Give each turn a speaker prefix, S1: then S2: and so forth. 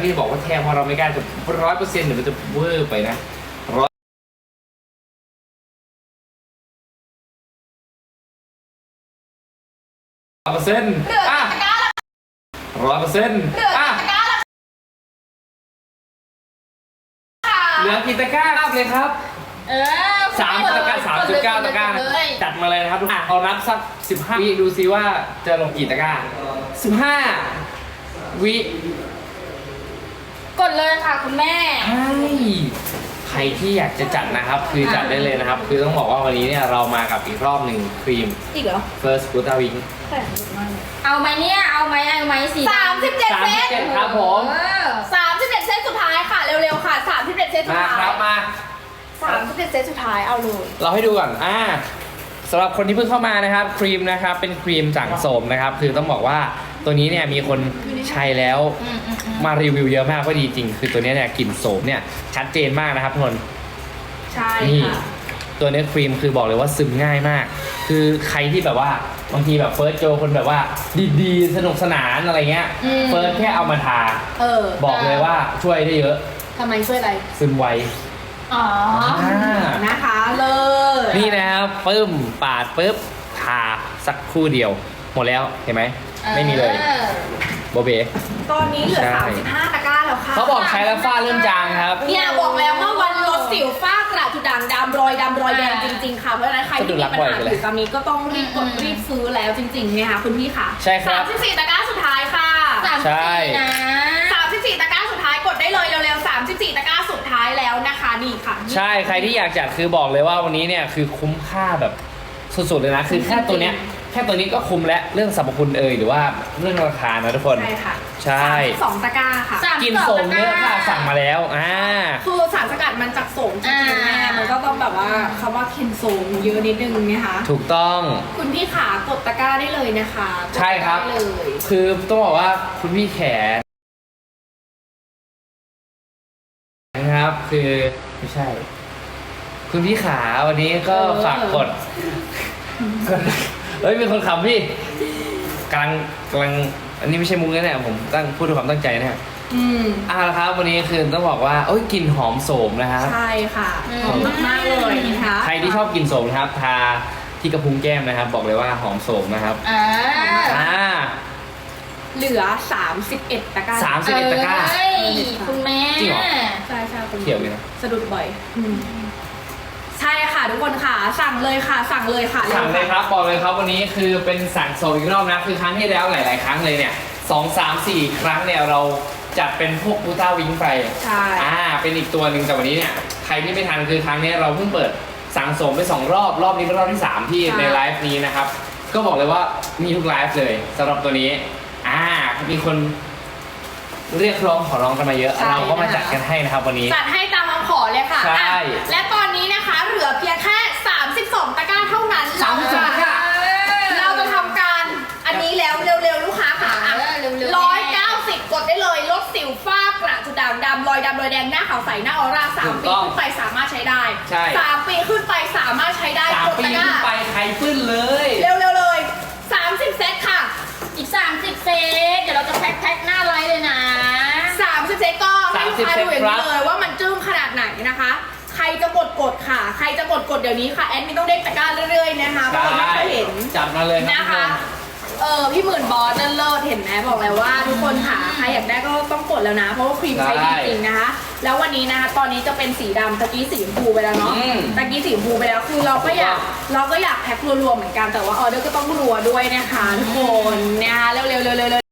S1: ที่บอกว่าแทงเพราะเราไม่กล้าจะ100%เดี๋ยวมันจะเวอร์ไปนะ100%อ่ะ100%อ่ะเหลือกี่ตะกร้าเลยครับ3.9 ตะกร้าจัดมาเลยนะครับทุกคนเอานับสัก15 วิดูซิว่าจะลงกี่ตะกร้า15 วิ
S2: กดเลยค่ะคุณแม่
S1: ใครที่อยากจะจัดนะครับคือจัดได้เลยนะครับคือต้องบอกว่าวันนี้เนี่ยเรามากับอีกรอบหนึ่งครีม
S2: อีกเหรอ
S1: First Buta Wing
S2: เอาไหมเนี่ยเอาไหม37 เซต
S1: ครับผม
S2: 37 เซตสุดท้ายค่ะเร็วๆค่ะ37 เซตสุดท้าย
S1: มาครับมา
S2: 37 เซตสุดท้ายเอาเลย
S1: เราให้ดูก่อนสำหรับคนที่เพิ่งเข้ามานะครับครีมนะครับเป็นครีมสังโสมนะครับคือต้องบอกว่าตัวนี้เนี่ยมีคนใช้แล้วมารีวิวเยอะมากว่าดีจริงคือตัวนี้เนี่ยกลิ่นโสมเนี่ยชัดเจนมากนะครับทุกคน
S2: ใช่ค่ะ
S1: ตัวนี้ครีมคือบอกเลยว่าซึมง่ายมากคือใครที่แบบว่าบางทีแบบเฟิร์สโจคนแบบว่าดีๆสนุกสนานอะไรเงี้ยเฟิร์สแค่เอามาทาบอกเลยว่าช่วยได้เยอะ
S2: ทำไมช่วยอะไร
S1: ซึมไว
S2: นะคะเลย
S1: นี่นะครับปึ้มปาดปึ๊บทาสักครู่เดียวหมดแล้วเห็นไหมไม่มีเลยโบเบ
S2: ตอนนี้เหลือ35 ตะกร้าแล้วค่ะ
S1: เขาบอกใช้แล้วฝ้าเริ่มจางครับ
S2: เนี่ยบอกแล้วว่าวันลดสิวฝ้ากระจุดด่างดำรอยแดงจริงๆค่ะเพราะฉะนั้นใครที่มีปัญหาอยู่ตอนนี้ก็ต้องรีบกดรีบซื้อแล้วจริงๆนะคะคุณพี่ค่ะ
S1: ใช่ครับ
S2: 34 ตะกร้าสุดท้ายค่ะ34นะ34 ตะกร้าสุดท้ายกดได้เลยเร็วๆ34 ตะกร้าสุดท้ายแล้วนะคะนี่ค่ะ
S1: ใช่ใครที่อยากจัดคือบอกเลยว่าวันนี้เนี่ยคือคุ้มค่าแบบสุดๆเลยนะคือแค่ตัวเนี้ยแค่ตัวนี้ก็คุ้มแล้วเรื่องสรรพคุณหรือว่าเรื่องราคานะทุกคน
S2: ใช่ค่ะ
S1: ใช่
S2: 2 ตะกร้าค่ะ
S1: กินโสมเยอะค่ะสั่งมาแล้ว
S2: คือสารสกัดมันจากโสมจริงๆแม่มันก็ต้องแบบว่าคำว่ากินโสมเยอะนิดนึงนะคะ
S1: ถูกต้อง
S2: คุณพี่ขากดตะกร้าได้เลยนะคะ
S1: ใช่ครับคือต้องบอกว่าคุณพี่แขนนะครับคือไม่ใช่คุณพี่ขาวันนี้ก็ฝากกดเฮ้ยมีคนขำพี่กำลังอันนี้ไม่ใช่มุ้งนะเนี่ยผมพูดด้วยความตั้งใจนะฮะละครับวันนี้คือต้องบอกว่าโอ้ยกลิ่นหอมโสมนะครับ
S2: ใช่ค่ะหอมมากๆเลยนะคะ
S1: ใครที่ชอบกลิ่นโสมนะครับทาที่กระพุ้งแก้มนะครับบอกเลยว่าหอมโสมนะครับ
S2: เหลือ31 ตะกร้า
S1: 31 ตะกร้า
S2: คุณแม่
S1: จริงเหรอ
S2: ใช่คุณ
S1: เขียวเลยนะ
S2: สะดุดบ่อยใช่ค่ะทุกคนค่ะสั่งเลยค่ะสั่งเลยค่ะ
S1: สั่งเลยครับบอกเลยครับวันนี้คือเป็นสั่งโซอีกรอบนะคือครั้งที่แล้วหลายๆครั้งเลยเนี่ย2, 3, 4 ครั้งเนี่ยเราจัดเป็นพวกบูต้าวิงไป
S2: ใช่
S1: เป็นอีกตัวหนึ่งแต่วันนี้เนี่ยใครที่ไม่ทันคือครั้งนี้เราเพิ่งเปิดสั่งโซไป2 รอบนี้เป็นรอบที่3ที่ในไลฟ์นี้นะครับก็บอกเลยว่ามีทุกไลฟ์เลยสำหรับตัวนี้มีคนเรียกร้องขอร้องกันมาเยอะเราก็มาจัดกันให้นะครับวันนี้
S2: จัดให้ตามคำขอเลยค่ะ
S1: ใช่
S2: และตอนนี้นะคะเหลือเพียงแค่32 ตะกร้าเท่านั้น
S1: 32 ตะกร้า
S2: เราจะทำการอันนี้แล้วเร็วๆลูกค้าค่ะ190กดได้เลยลดสิวฝ้ากระจุดด่างดำรอยดำรอยแดงหน้าขาวใสหน้าออร่า3 ปีขึ้นไปสามารถใช้ได้3 ปีขึ้นไปสามารถใช้ได้
S1: 3 ปีขึ้นไปใครฟื้นเลย
S2: เร็วๆเลย30 เซตค่ะอีก30 เซตเดี๋ยวเราจะแพ็คหน้าไลฟ์เลยนะ30 เซตก็ให้ลูกค้าดูอย่างนี้เลยว่ามันจึ้งขนาดไหนนะคะใครจะกดค่ะใครจะกดเดี๋ยวนี้ค่ะแอดมินต้องเด้งตะกร้าเรื่อยๆนะคะเพราะเราไม่เคยเห็น
S1: จับมาเลย
S2: นะคะพี่หมื่นบอสนั่นเลิศเห็นไหมบอกแล้วว่าทุกคนค่ะใครอยากได้ก็ต้องกดแล้วนะเพราะว่าครีมใช้ดีจริงนะคะแล้ววันนี้นะคะตอนนี้จะเป็นสีดำตะกี้สีชมพูไปแล้วเนาะตะกี้สีชมพูไปแล้วคือเราก็อยากแพ็ครัวๆเหมือนกันแต่ว่าออเดอร์ก็ต้องรัวด้วยนะคะทุกคนนะคะเร็ว